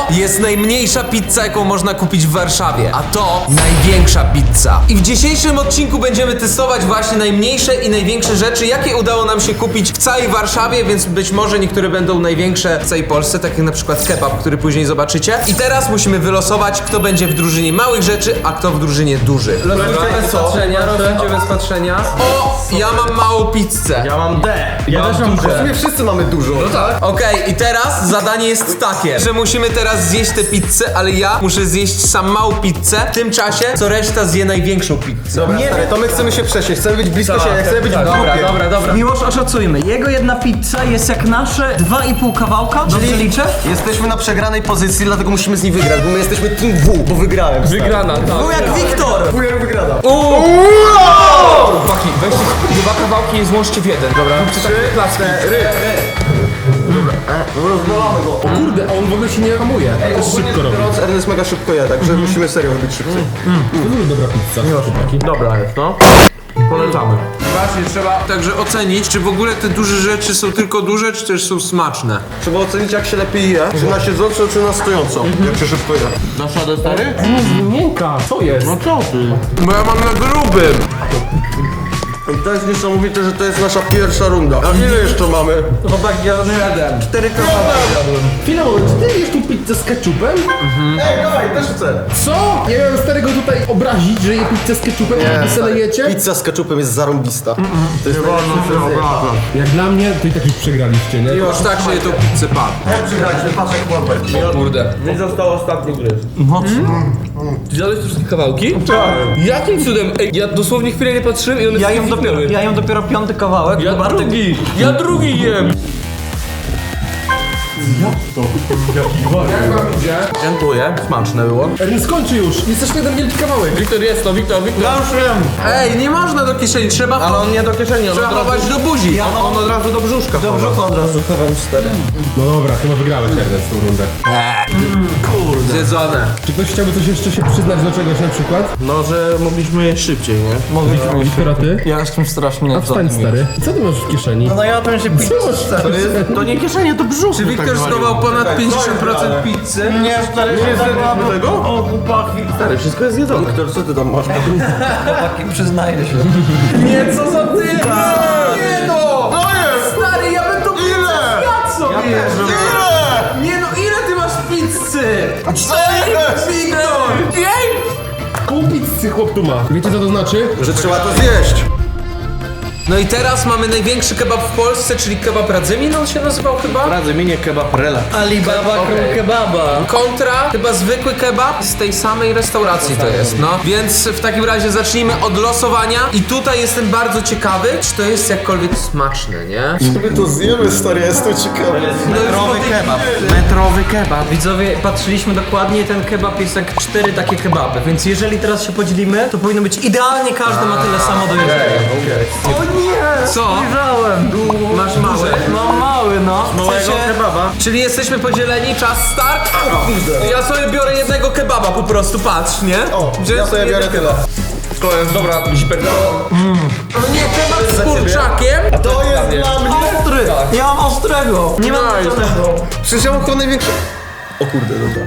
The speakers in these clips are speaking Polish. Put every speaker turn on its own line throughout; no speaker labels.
jest najmniejsza pizza, jaką można kupić w Warszawie, a to największa pizza. I w dzisiejszym odcinku będziemy testować właśnie najmniejsze i największe rzeczy, jakie udało nam się kupić w całej Warszawie, więc być może niektóre będą największe w całej Polsce, tak jak na przykład kebab, który później zobaczycie. I teraz musimy wylosować, kto będzie w drużynie małych rzeczy, a kto w drużynie dużych. Rozliczę bez patrzenia, rozliczę bez patrzenia. O, ja mam małą pizzę.
Ja mam D.
Ja też mam
W sumie wszyscy mamy dużo.
No tak.
Okej, i teraz zadanie jest takie, że musimy teraz zjeść tę pizzę, ale ja muszę zjeść sam małą pizzę, w tym czasie, co reszta zje największą pizzę.
Dobra, stary, to my chcemy się przesiąść, chcemy być blisko siebie, chcemy być w grupie.
Dobra.
Miłosz, oszacujmy. Jego jedna pizza jest jak nasze 2,5 kawałka. Dobrze liczę?
Jesteśmy na przegranej pozycji, dlatego musimy z nim wygrać, bo my jesteśmy Team W, bo wygrałem. stary.
Wygrana, tak.
Był jak Wiktor!
W jak wygrana.
Chłopaki, weźcie dwa kawałki i złączcie w jeden, dobra?
Rozwalamy go.
O kurde, a on w ogóle się nie hamuje. To szybko robi.
Ernest mega szybko je, także musimy serio robić szybciej.
To dobra pizza. Chłopaki.
Dobra jest, no. Polecamy.
Właśnie trzeba także ocenić, czy w ogóle te duże rzeczy są tylko duże, czy też są smaczne.
Trzeba ocenić, jak się lepiej je, czy na siedząco, czy na stojąco. Jak się szybko je.
Na szadę, stary?
Miękka, co jest?
No co ty?
Bo ja mam na grubym.
I to jest niesamowite, że to jest nasza pierwsza runda. A ile jeszcze mamy?
Chłopak, ja jeden. 4 kawałki jadłem.
Chwila, czy ty jesz tu pizzę z ketchupem?
Ej, dawaj, też chcę.
Co? Ja miałem starego tutaj obrazić, że je pizzę z ketchupem, a wy sobie jecie?
Pizza z ketchupem jest zarąbista. To jest najlepsze.
Jak dla mnie, to i tak już przegraliście, nie?
Już tak się je tą pizzę padł.
Jak przegraliśmy, patrz jak łapę.
Kurde.
Nie został ostatni gryz.
Ty zjadłeś te wszystkie kawałki? Tak. Jakim cudem? Ej, ja dosłownie chwilę nie patrzyłem i one
Ja
wszystkie
jem dopiero 5. kawałek.
Ja
Bartek-
drugi! Ja drugi jem!
Dziękuję, smaczne było.
Ernest, skończy już! Jest jeszcze jeden wielki kawałek.
Wiktor jest to, Wiktor.
Ej, nie można do kieszeni, trzeba
Ale on nie do kieszeni, on
trzeba chować do buzi.
on od razu do brzuszka.
Do brzucha od razu chowam 4.
No dobra, chyba wygrałeś, Ernest, tą rundę.
Zjedzone.
Czy ktoś chciałby coś jeszcze się przyznać do czegoś na przykład?
No, że mogliśmy je szybciej, nie?
Mogliśmy
Wiktor, a ty?
Ja jestem strasznie
A wstań, stary. Co ty masz w kieszeni?
No ja bym się pizzę.
To nie kieszenie, to brzuch.
Czy Wiktor schował ponad 50% pizzy?
Nie, stary,
Nie zjedliśmy tego?
O, chłopaki.
Stary, wszystko jest jedzone. Wiktor, co ty tam masz?
Chłopaki, przyznaję się.
Nie, co za ty? Nie no!
To jest!
Stary, ja bym to
Ile?
zjadł sobie!
Ile?
Nie no, ile ty masz pizzy?
4!
Wiktor! Jej!
Pół pizzy chłop tu ma. Wiecie co to znaczy?
Że trzeba to zjeść.
No i teraz mamy największy kebab w Polsce, czyli kebab Radzymin, on się nazywał chyba?
Radzę mi nie kebab rela.
Alibaba król kebaba.
Kontra chyba zwykły kebab z tej samej restauracji to jest, no. Więc w takim razie zacznijmy od losowania i tutaj jestem bardzo ciekawy, czy to jest jakkolwiek smaczne, nie?
My to zjemy, stary, jest to ciekawe.
Metrowy kebab. Metrowy kebab. Widzowie, patrzyliśmy dokładnie, ten kebab jest jak 4 takie kebaby, więc jeżeli teraz się podzielimy, to powinno być idealnie, każdy ma tyle samo do jedzenia. O nie!
Co?
Spojrzałem.
Masz mały?
No mały, no.
Małego kebaba.
Czyli jesteśmy podzieleni, czas start? Ja sobie biorę jednego kebaba po prostu, patrz, nie?
O,
Wziąłem
ja sobie biorę
jednego.
tyle.
To jest dobra, zipek.
No nie, kebab z kurczakiem?
To jest dla mnie.
Ostry! Ja mam ostrego! Nie mam ostrego.
Przecież ja mam chyba największe... O kurde, dobra.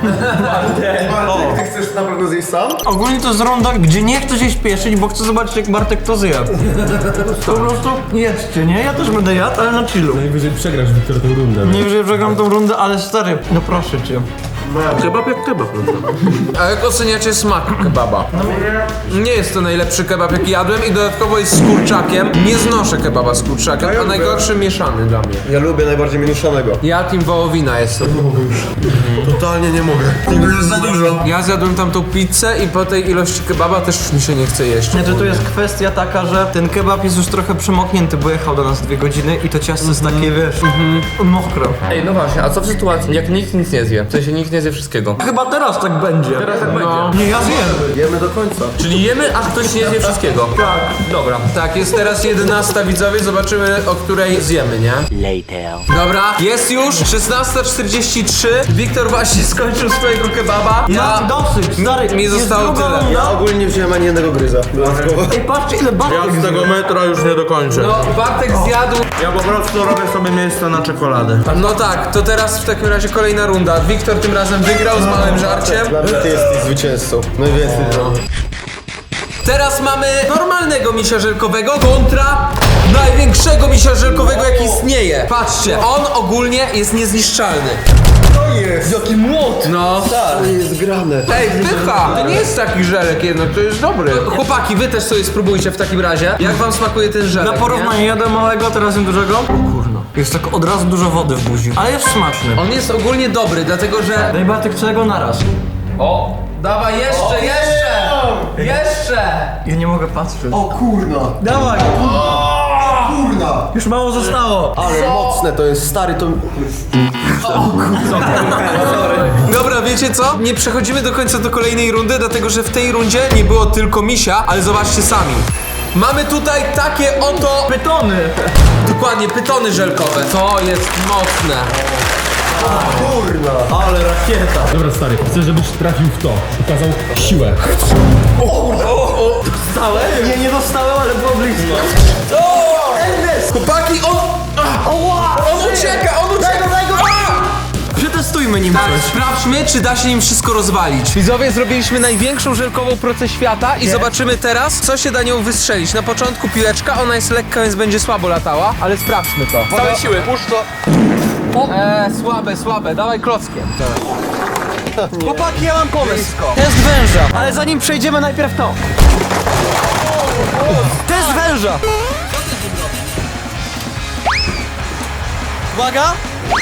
Ty chcesz na pewno zjeść sam?
Ogólnie to jest runda, gdzie nie chcę się śpieszyć, bo chcę zobaczyć, jak Bartek to zje. Po prostu jedzcie, nie? Ja też będę jadł, ale na chillu.
Najwyżej przegrasz, Wiktor, tę rundę.
Nie wiem, że przegram tą rundę, ale stary, no proszę cię.
Kebab jak kebab.
A jak oceniacie smak kebaba? Nie jest to najlepszy kebab jaki jadłem i dodatkowo jest z kurczakiem. Nie znoszę kebaba z kurczakiem, a najgorszy mieszany dla mnie.
Ja lubię najbardziej mieszanego.
Ja team wołowina jestem.
Totalnie nie mogę. Tego jest za dużo.
Ja zjadłem tamtą pizzę i po tej ilości kebaba też mi się nie chce jeść.
Znaczy tu jest kwestia taka, że ten kebab jest już trochę przemoknięty, bo jechał do nas 2 godziny i to ciasto jest takie, wiesz, mokre.
Ej, no właśnie, a co w sytuacji, jak nikt nic nie zje? W sensie nikt nie zje wszystkiego.
Chyba teraz tak będzie. Teraz tak
No.
Nie, ja zjem.
Jemy do końca.
Czyli jemy, a ktoś nie zje wszystkiego. Tak. Dobra.
Tak, jest teraz 11 widzowie, zobaczymy o której zjemy, nie? Dobra, jest już 16:43. Wiktor właśnie skończył swojego kebaba.
Ja dosyć, stary.
mi
jest
zostało
druga
tyle.
runda.
Ja ogólnie nie wziąłem ani jednego gryza. Dodatkowo.
Ej, patrzcie ile Bartek
Z tego metra już nie dokończę.
No, Bartek zjadł.
Ja po prostu robię sobie miejsce na czekoladę.
No tak, to teraz w takim razie kolejna runda. Wiktor tym razem razem wygrał z małym żarciem.
Dla mnie ty jesteś zwycięzcą. Najwięcej zrobił.
Teraz mamy normalnego misia żelkowego kontra największego misia żelkowego, jaki istnieje. Patrzcie, on ogólnie jest niezniszczalny.
Jaki młot!
No.
To jest grane.
Ej, pycha! To nie jest taki żelek jednak, to jest dobry. Chłopaki, wy też sobie spróbujcie w takim razie. Jak wam smakuje ten żelek?
Na porównanie jadłem małego, teraz jem dużego. O kurno. Jest tak od razu dużo wody w buzi. Ale jest smaczny.
On jest ogólnie dobry, dlatego że...
Daj Bartek całego naraz.
O! Dawaj, jeszcze! Jeszcze!
Ja nie mogę patrzeć.
O kurna!
Dawaj!
Kurna!
Już mało zostało.
Ale mocne to jest, stary, to...
Dobra, wiecie co? Nie przechodzimy do końca do kolejnej rundy, dlatego że w tej rundzie nie było tylko misia, ale zobaczcie sami. Mamy tutaj takie oto...
Pytony.
Dokładnie, pytony żelkowe. To jest mocne.
Kurna!
Ale rakieta.
Dobra stary, chcę żebyś trafił w to. Pokazał siłę.
Dostałem? Nie dostałem, ale było blisko.
Chłopaki, on ucieka!
Przetestujmy nim
Tak,
coś.
sprawdźmy, czy da się nim wszystko rozwalić. Widzowie, zrobiliśmy największą żelkową procę świata i zobaczymy teraz, co się da nią wystrzelić. Na początku piłeczka, ona jest lekka, więc będzie słabo latała, ale sprawdźmy to.
Całe siły. Puść to.
Słabe, dawaj klockiem.
Chłopaki, ja mam pomysł. Test węża. Ale zanim przejdziemy, najpierw to. Test węża. Uwaga.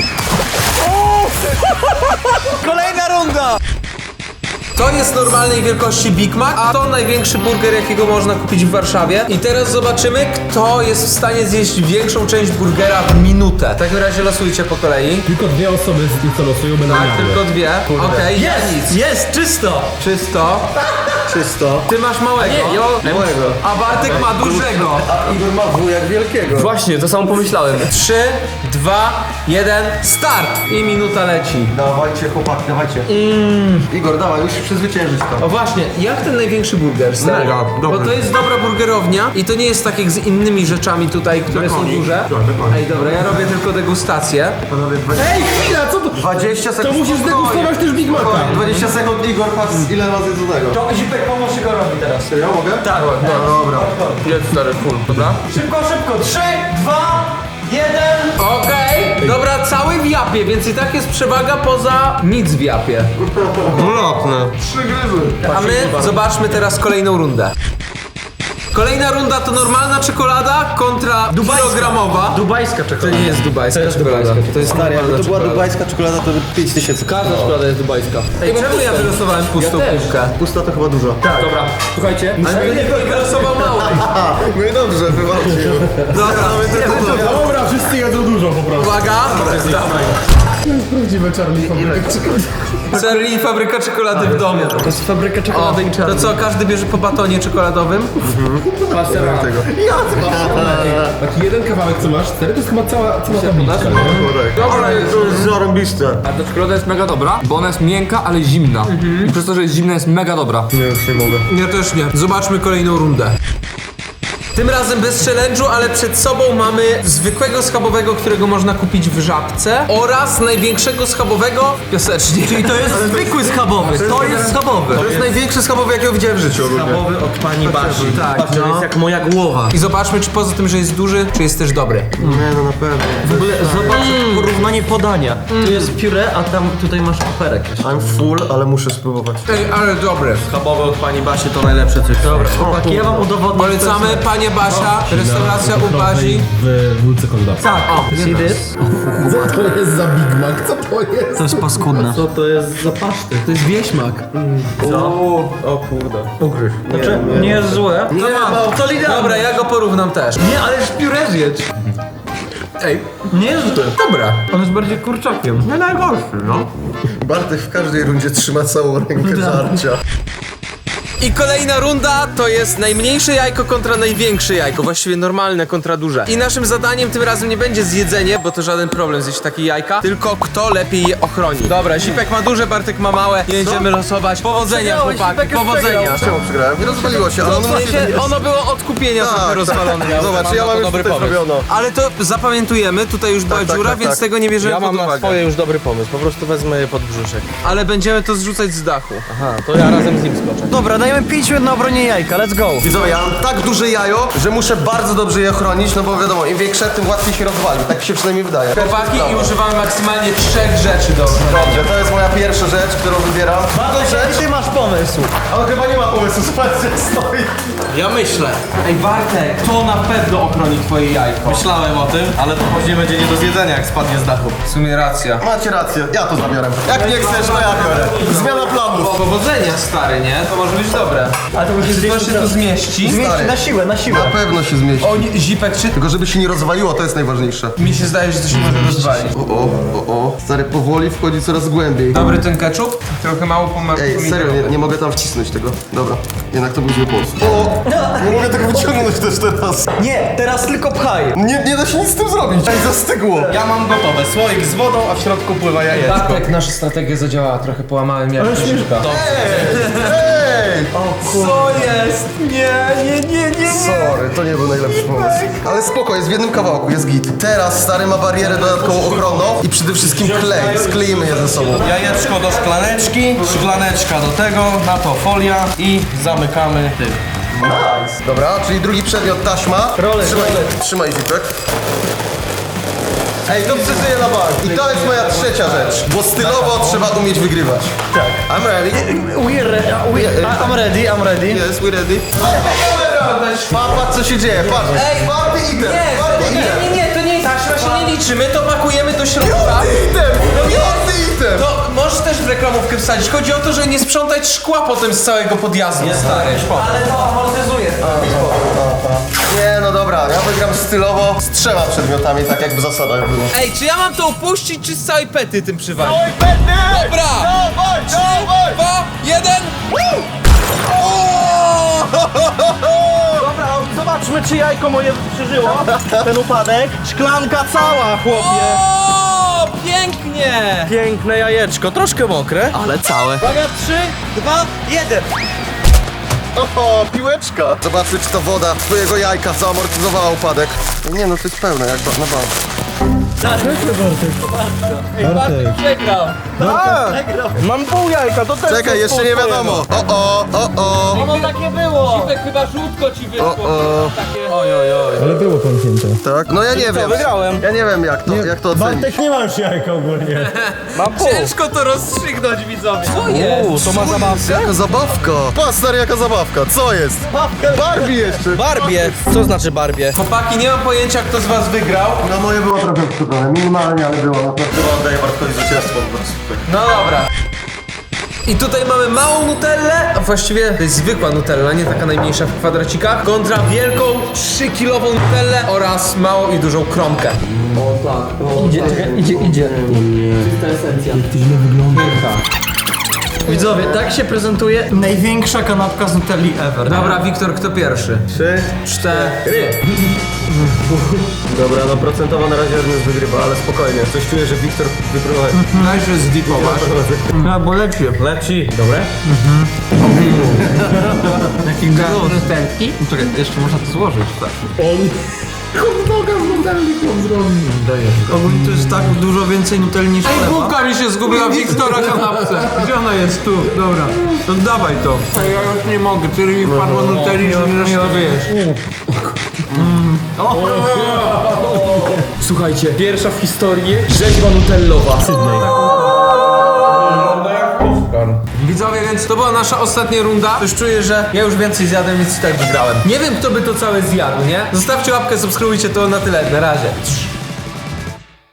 Kolejna runda.
To jest normalnej wielkości Big Mac, a to największy burger, jakiego można kupić w Warszawie. I teraz zobaczymy, kto jest w stanie zjeść większą część burgera w minutę. W takim razie losujcie po kolei.
Tylko dwie osoby z tym co losują będą
Tak,
miały.
tylko dwie. Okej, ja nic.
Jest, czysto.
Czysto.
Czysto.
Ty masz małego.
Małego.
A Bartek ma dużego.
A Igor ma wujak wielkiego.
Właśnie, to samo pomyślałem.
3, 2, 1, start! I minuta leci.
Dawajcie chłopaki, dawajcie. Igor, dawaj, musisz przezwyciężyć to.
O właśnie, jak ten największy burger, stary?
Mega,
Bo
dobry.
to jest dobra burgerownia i to nie jest tak jak z innymi rzeczami tutaj, które są duże. Ej, dobra, ja robię tylko degustację.
Panowie,
Ej, chwila, co to?
20 sekund.
To musisz zdegustować też Big Maca.
20 sekund, Igor, patrz ile razy do tego.
To Zipek, pomóż Igorowi teraz.
Ja mogę?
Tak.
No, dobra.
Jedz stary, full, dobra?
Szybko, szybko. 3, 2, 1.
Okej, dobra, cały w japie, więc i tak jest przewaga poza nic w japie.
Ulotne. 3 gryzy.
A my zobaczmy teraz kolejną rundę. Kolejna runda to normalna czekolada kontra kilogramowa.
Dubajska
To
czekolada.
nie jest dubajska czekolada. To jest
Stary, jakby
normalna
to była
czekolada.
dubajska czekolada, to by 5000.
Każda czekolada jest dubajska.
Ej, czemu ja wylosowałem pustą kubkę?
Pusta to chyba dużo.
Dobra, słuchajcie.
Ale nie wylosował mało.
No i dobrze, wywalcie.
Dobra,
Dobra, wszyscy jedzą dużo po prostu.
uwaga.
Prawdziwe Charlie fabryka czekolady.
Charlie i fabryka czekolady w domu.
To jest fabryka
O,
czekolady i
to
czarny.
co, każdy bierze po batonie czekoladowym?
Taki jeden kawałek co masz, stary, to jest chyba cała tabliczka, nie?
Dobra, to jest zarąbiste.
A ta czekolada jest mega dobra, bo ona jest miękka, ale zimna. I przez to, że jest zimna, jest mega dobra.
Nie, już nie mogę.
Ja też nie. Zobaczmy kolejną rundę. Tym razem bez challenge'u, ale przed sobą mamy zwykłego schabowego, którego można kupić w Żabce oraz największego schabowego w Piasecznie.
Czyli to jest zwykły schabowy. To jest schabowy.
To jest największy schabowy, jakiego widziałem w życiu ogólnie.
Schabowy od pani Basi.
Tak,
Patrz, to
no.
jest jak moja głowa.
I zobaczmy, czy poza tym, że jest duży, czy jest też dobry.
Nie, no na pewno.
W ogóle zobacz porównanie podania. Tu jest pióre, a tam tutaj masz koperek jeszcze.
I'm full, ale muszę spróbować.
Ej, ale dobry.
Schabowy od pani Basi to najlepsze coś. Dobra, chłopaki, ja wam udowodnię.
Polecamy, panie Basia, restauracja u Bazi.
W wólce kondacji.
Tak, see this?
Co to jest za Big Mac? Co to jest?
To jest paskudne. Co to jest za paszty?
To jest wieśmak.
O kurde.
Ugryź. Znaczy, nie jest złe.
Nie ma.
To lider.
Dobra, ja go porównam też.
Nie, ale już pióre zjedz.
Ej,
Nie jest złe.
dobra.
On jest bardziej kurczakiem. Nie najgorszy, no.
Bartek w każdej rundzie trzyma całą rękę żarcia.
I kolejna runda to jest najmniejsze jajko kontra największe jajko, właściwie normalne kontra duże. I naszym zadaniem tym razem nie będzie zjedzenie, bo to żaden problem zjeść takie jajka, tylko kto lepiej je ochroni. Dobra, Zipek ma duże, Bartek ma małe, nie będziemy losować. Powodzenia, chłopaki, powodzenia.
Czemu przegrałem? Nie rozwaliło się, ale
No
ono
w
musi...
sensie, ono było od kupienia trochę rozwalone.
Zobacz, ja mam już
dobry
tutaj
pomysł.
zrobiono.
Ale to zapamiętujemy, tutaj już była
tak,
dziura,
tak,
więc
tak.
tego nie bierzemy
Ja
pod
mam na
uwagę.
swoje już dobry pomysł, po prostu wezmę je pod brzuszek.
Ale będziemy to zrzucać z dachu.
Aha, to ja razem z nim skoczę.
Dobra, dajemy 5 minut na obronie jajka, let's go.
Widzowie, ja mam tak duże jajo, że muszę bardzo dobrze je chronić, no bo wiadomo, im większe, tym łatwiej się rozwali. Tak mi się przynajmniej wydaje.
Chłopaki i używamy maksymalnie 3 rzeczy do ochrony.
Dobrze, to jest moja pierwsza rzecz, którą wybieram. Druga rzecz,
Ty masz pomysł.
ale chyba nie ma pomysłu, zobaczcie, jak stoi.
Ja myślę.
Ej Bartek, to na pewno ochroni twoje jajko.
Myślałem o tym, ale to później będzie nie do zjedzenia, jak spadnie z dachu.
W sumie racja.
Macie rację, ja to zabiorę. Jak nie chcesz, to ja biorę. Zmiana planów.
Powodzenia stary, nie? To może być dobre.
Ale to musi
To się tu zmieści.
Zmieści na siłę, na siłę.
Na pewno się zmieści.
O, nie, Zipek, czy...
Tylko żeby się nie rozwaliło, to jest najważniejsze.
Mi się zdaje, że to się może rozwalić.
O. Stary, powoli wchodzi coraz głębiej.
Dobry ten ketchup? Trochę mało
Ej, serio, nie mogę tam wcisnąć tego. Dobra, jednak to był zły pomysł. O! Nie mogę tego wyciągnąć też teraz.
Nie, teraz tylko pchaj.
Nie da się nic z tym zrobić. Ej, zastygło.
Ja mam gotowe, słoik z wodą, a w środku pływa jajeczko.
Bartek, nasza strategia zadziałała, trochę połamałem jak Zipka.
Ej!
Co jest? Nie.
Sorry, to nie był najlepszy pomysł. Ale spoko, jest w jednym kawałku, jest git. Teraz stary ma barierę dodatkową ochronną i przede wszystkim klej. Skleimy je ze sobą.
Jajeczko do szklaneczki, szklaneczka do tego, na to folia i zamykamy tym.
Dobra, czyli drugi przedmiot taśma. Trzymaj Zipek. Ej, to przeżyję na bank. I to jest moja trzecia rzecz, bo stylowo trzeba umieć wygrywać. Tak. I'm ready.
I'm ready.
Yes, we ready. Patrz co się dzieje, patrz.
Ej,
Party item, party item.
Nie, to nie taśma się nie liczy, my to pakujemy do środka.
Party item, party item.
To możesz też w reklamówkę wsadzić. Chodzi o to, że nie sprzątać szkła potem z całego podjazdu, stary.
Ale to amortyzuje.
Nie, no dobra, ja wygram stylowo z 3 przedmiotami, tak jakby zasada była.
Ej, czy ja mam to upuścić, czy z całej pety tym przywalić? Dobra! 3, 2, 1!
Dobra, zobaczmy czy jajko moje przeżyło ten upadek. Szklanka cała, chłopie.
O, pięknie!
Piękne jajeczko, troszkę mokre, ale całe.
Uwaga, 3, 2, 1.
O, piłeczka. Zobaczmy, czy ta woda twojego jajka zaamortyzowała upadek. Nie no, to jest pełne, jak na bank.
Mam pół jajka, to też
Czekaj, jeszcze nie wiadomo. O.
No tak nie było.
Zipek, chyba żółtko ci wyszło.
Ale było pęknięte.
Tak? No ja nie wiem.
wygrałem.
Ja nie wiem jak to ocenić.
nie ma już jajka ogólnie.
Mam pół.
Ciężko to rozstrzygnąć, widzowie. Co jest?
To ma zabawkę?
Jaka zabawka. Patrz stary, jaka zabawka. Co jest? Barbie jeszcze.
Barbie. Co znaczy Barbie?
Chłopaki, nie mam pojęcia, kto z was wygrał.
No moje było trochę odczuwane, minimalnie, ale było. Naprawdę oddaję Bartkowi zwycięstwo po prostu.
No dobra. I tutaj mamy małą nutellę, a właściwie to jest zwykła nutella, nie taka najmniejsza w kwadracikach, kontra wielką 3-kilową nutellę oraz małą i dużą kromkę.
Idzie. Widzowie, tak się prezentuje największa kanapka z Nutelli ever.
Dobra, Wiktor, kto pierwszy?
3,
4.
Dobra, no procentowo na razie Ernest wygrywa, ale spokojnie. Coś czuję, że Wiktor wyprowadzi.
Najpierw zdipować.
No bo leci. Dobre? Jaki gaz. Czekaj, jeszcze można to złożyć. Tak. Ogólnie to jest tak dużo więcej Nutelli niż
Ej,
chleba.
bułka mi się zgubiła w Wiktora kanapce. Gdzie ona jest? Tu, dobra. To dawaj to. Ej, ja już nie mogę, tyle mi padło nutelli, że nie da się wyjeść.
Słuchajcie, pierwsza w historii rzeźba nutellowa.
Widzowie, więc to była nasza ostatnia runda. Już czuję, że ja już więcej zjadłem, więc i tak wygrałem. Nie wiem, kto by to całe zjadł, nie? Zostawcie łapkę, subskrybujcie, to na tyle. Na razie.